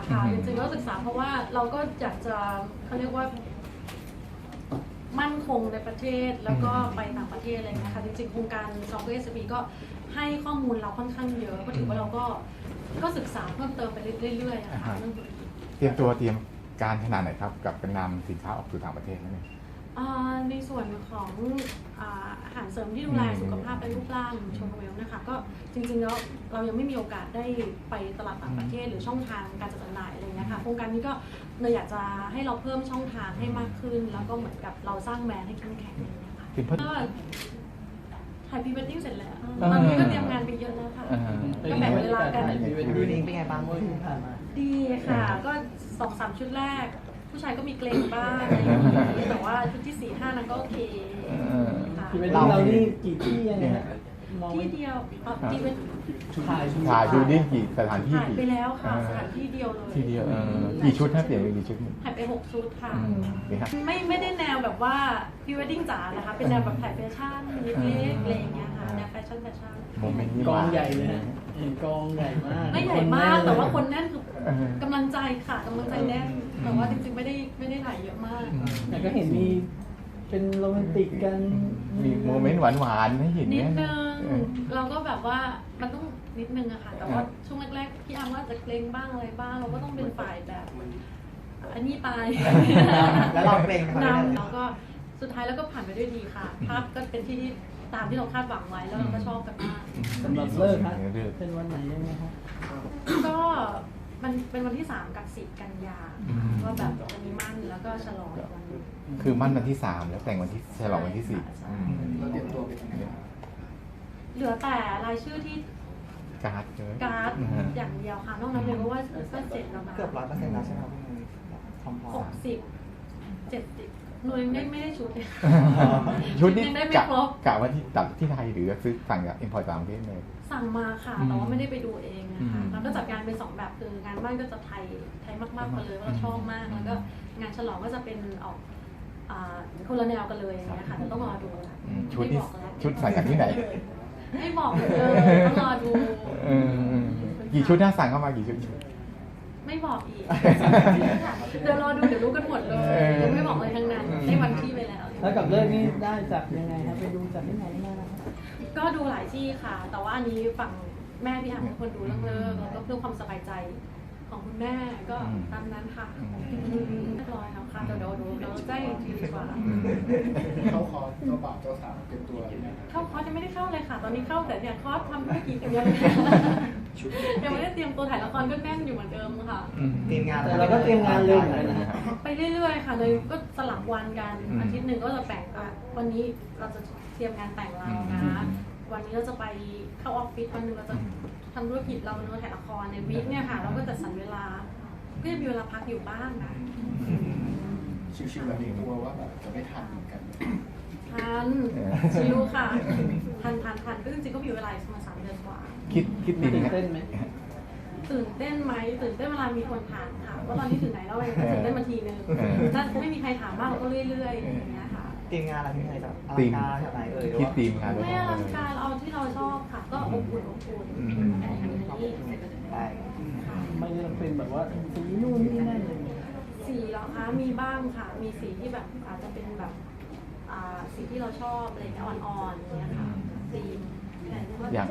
ค่ะจริงๆก็ศึกษาเพราะว่าเราก็อยากจะเขาเรียกว่ามั่นคงในประเทศแล้วก็ไปต่างประเทศอะไรเงี้ยค่ะจริงๆโครงการซอฟต์แวร์ SAP ก็ให้ข้อมูลเราค่อนข้างเยอะก็ถือว่าเราก็ศึกษาเพิ่มเติมไปเรื่อยๆอะค่ะเรื่องธุรกิจเตรียมการขนาดไหนครับกับการนำสินค้าออกสู่ต่างประเทศนั่นเองในส่วนของอาหารเสริมที่ดูแลสุขภาพและรูปร่างชนเวลนะคะก็จริงๆแล้วเรายังไม่มีโอกาสได้ไปตลาดต่างประเทศหรือช่องทางการจัดจำหน่ายอะไรเงี้ยค่ะโครงการนี้ก็เลยอยากจะให้เราเพิ่มช่องทางให้มากขึ้นแล้วก็เหมือนกับเราสร้างแบรนด์ให้เข้มแข็งอะไรเงี้ยค่ะก็ถ่ายพรีเวดดิ้งเสร็จแล้วตอนนี้ก็เตรียมงานไปเยอะแล้วค่ะก็แบ่งเวลากันพรีเวดดิ้งเป็นไงบ้างเมื่อที่ผ่านมาดีค่ะก็2-3 ชุดแรกผู้ชายก็มีเกรงบ้างอะไรอย่างนี้แต่ว่าชุดที่ 4-5 นั้นก็โอเคค่ะพรีเวดดิ้งเรานี่กี่ที่ยังไงฮะที่เดียวที่เป็นถ่ายดูนี่กี่สถานที่ถ่ายไปแล้วค่ะสถานที่เดียวเลยที่เดียวกี่ชุดถ้าเปลี่ยนไปกี่ชุดถ่ายไป6 ชุดค่ะนี่ครับไม่ได้แนวแบบว่าพรีเวดดิ้งจ๋านะคะเป็นแนวแบบถ่ายแฟชั่นเล็กๆอะไรอย่างเงี้ยค่ะแนวแฟชั่นโมเมนต์นี้กองใหญ่เลยฮะกองใหญ่มากไม่ใหญ่มากแต่ว่าคนแน่นคือกำลังใจค่ะกำลังใจแน่นแต่ว่าจริงๆไม่ได้ถ่ายเยอะมากแต่ก็เห็นมีเป็นโรแมนติกกันมีโมเมนต์หวานๆให้เห็นนิดเนี่ยนึงเราก็แบบว่ามันต้องนิดนึงอะค่ะแต่ว่าช่วงแรกๆพี่อาร์มว่าจะเกรงบ้างอะไรบ้างเราก็ต้องเป็นฝ่ายแบบอันนี้ไปแล้วเราเกรงไหมนำแล้วก็สุดท้ายแล้วก็ผ่านไปด้วยดีค่ะภาพก็เป็นที่ตามที่เราคาดหวังไว้แล้วเราก็ชอบกันมากสำหรับเลิกฮะเป็นวันไหนยังไงฮะก็มันเป็นวันที่3 กับ 10 กันยาก็แบบวันนี้มั่นแล้วก็ฉลองอีกวันนึงคือมั่นวันที่ 3 แล้วแต่งวันที่ฉลองวันที่เราเตรียมตัวเป็นยังไงบ้างเหลือแต่รายชื่อที่ 4การ์ดเลยการ์ดอย่างเดียวค่ะนอกนั้นเลยเพราะว่าก็เสร็จแล้วนะเกือบ100%แล้วใช่ไหมครับพร้อม 60-70หนูยังไม่ได้ชุดเลยชุดนี้ยังได้ไม่กะครบกะว่าที่ตัดที่ไทยหรือซื้อสั่งจากอินพอร์ตต่างประเทศเลยสั่งมาค่ะแต่ว่าไม่ได้ไปดูเองนะคะแล้วก็จัดการเป็น2 แบบคืองานบ้านก็จะไทยมากๆไปเลยว่าเราชอบมากแล้วก็งานฉลองก็จะเป็นออกคนละแนวกันเลยอย่างเงี้ยค่ะแต่ต้องรอดูค่ะชุดนี้ไม่บอกแล้วชุดสั่งจากที่ไหนไม่บอกเลยต้องรอดูกี่ชุดน่าสั่งเข้ามากี่ชุดไม่บอกอีกเดี๋ยวรอดูเดี๋ยวรู้กันหมดเลยยังไม่บอกเลยทั้งนั้นได้วันที่ไปแล้วแล้วกับเลิกนี่ได้จากยังไงครับไปดูจากที่ไหนมาครับก็ดูหลายที่ค่ะ แต่ว่าอันนี้ฝั่งแม่พี่อ่านเป็นคนดูเรื่องเลิกแล้วก็เพื่อความสบายใจของคุณแม่ก็ตามนั้นค่ะเรียบร้อยแล้วค่ะเดี๋ยวเราแจ้งอีกทีดีกว่าเข้าคอร์สเจ้าบ่าวเจ้าสาวเตรียมตัวยังไงครับเข้าคอร์สยังไม่ได้เข้าเลยค่ะ ตอนนี้เข้าแต่เนี่ยคอร์สทำธุรกิจยังไม่ได้เตรียมตัวถ่ายละครก็แน่นอยู่เหมือนเดิมค่ะเตรียมงานแต่เราก็เตรียมงานเร็วเหมือนกันนะฮะไปเรื่อยๆค่ะเลยก็สลับวันกันอาทิตย์หนึ่งก็จะแบ่งวันนี้เราจะเตรียมงานแต่งเรานะวันนี้เราจะไปเข้าออฟฟิศวันนึงเราจะทำธุรกิจเราเนื้อถ่ายละครในวีคเนี่ยค่ะเราก็จะสรรเวลาก็จะมีเวลาพักอยู่บ้างนะชิวๆแบบนี้กลัวว่าแบบจะไม่ทันเหมือนกันทันชิวค่ะทันก็จริงๆก็มีเวลาประมาณ3 เดือนกว่าคิดดีตื่นนะเต้นไหมตื่นเต้นไหมตื่นเต้นเวลามีคนถามค่ะว่าตอนนี้ถึงไหนแล้วเองตื่นเต้นมาทีนึงถ้าไม่มีใครถามมากเราก็เรื่อยๆอย่างเงี้ยค่ะเตรียมงานอะไรที่ไหนแบบอลังการแบบไหนเอ่ยคิดทีมงานด้วยไม่อลังการเอาที่เราชอบค่ะก็อบอุ่นอะไรอย่างนี้ได้ไม่ได้เป็นแบบว่าสีนู่นนี่นั่นเลยสีเหรอคะมีบ้างค่ะ มีสีที่แบบอาจจะเป็นแบบสีที่เราชอบอะไรเงี้ยอ่อนๆอย่างเงี้ยค่ะสีอย่าง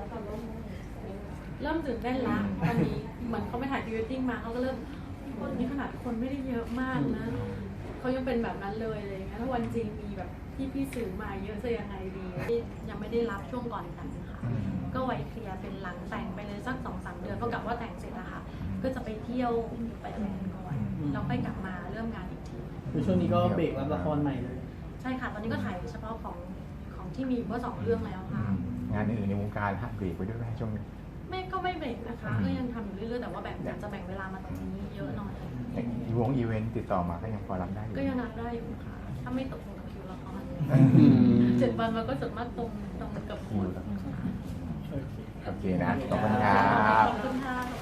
เริ่มตื่นเต้นละตอนนี้เหมือนเขาไปถ่ายพรีเวดดิ้งมาเขาก็เริ่มคนนี้ขนาดคนไม่ได้เยอะมากนะเขายังเป็นแบบนั้นเลยอะไรเงี้ยถ้าวันจริงมีแบบพี่สื่อมาเยอะจะยังไงดียังไม่ได้รับช่วงก่อนแต่งค่ะก็ไว้เคลียร์เป็นหลังแต่งไปเลยสัก2-3 เดือนก็กลับว่าแต่งเสร็จอะค่ะก็จะไปเที่ยวไปอะไรกันก่อนแล้วค่อยกลับมาเริ่มงานอีกทีคือช่วงนี้ก็เบรกรับละครใหม่เลยใช่ค่ะตอนนี้ก็ถ่ายเฉพาะของที่มีก็2 เรื่องแล้วค่ะงานอื่นในวงการหักเบรกไปด้วยไหมช่วงนี้ไม่เบรกนะคะก็ยังทำอยู่เรื่อยๆแต่ว่าอยากจะแบ่งเวลามาตรงนี้เยอะหน่อยอีเวนต์ติดต่อมาก็ยังพอรับได้อยู่ก็ยังรับได้อยู่ค่ะถ้าไม่ตกลงกับคิวละคร7 วันมันก็ส่วนมากตรงกับคิวโอเคนะ ขอบคุณครัขบอบคุณค่ะ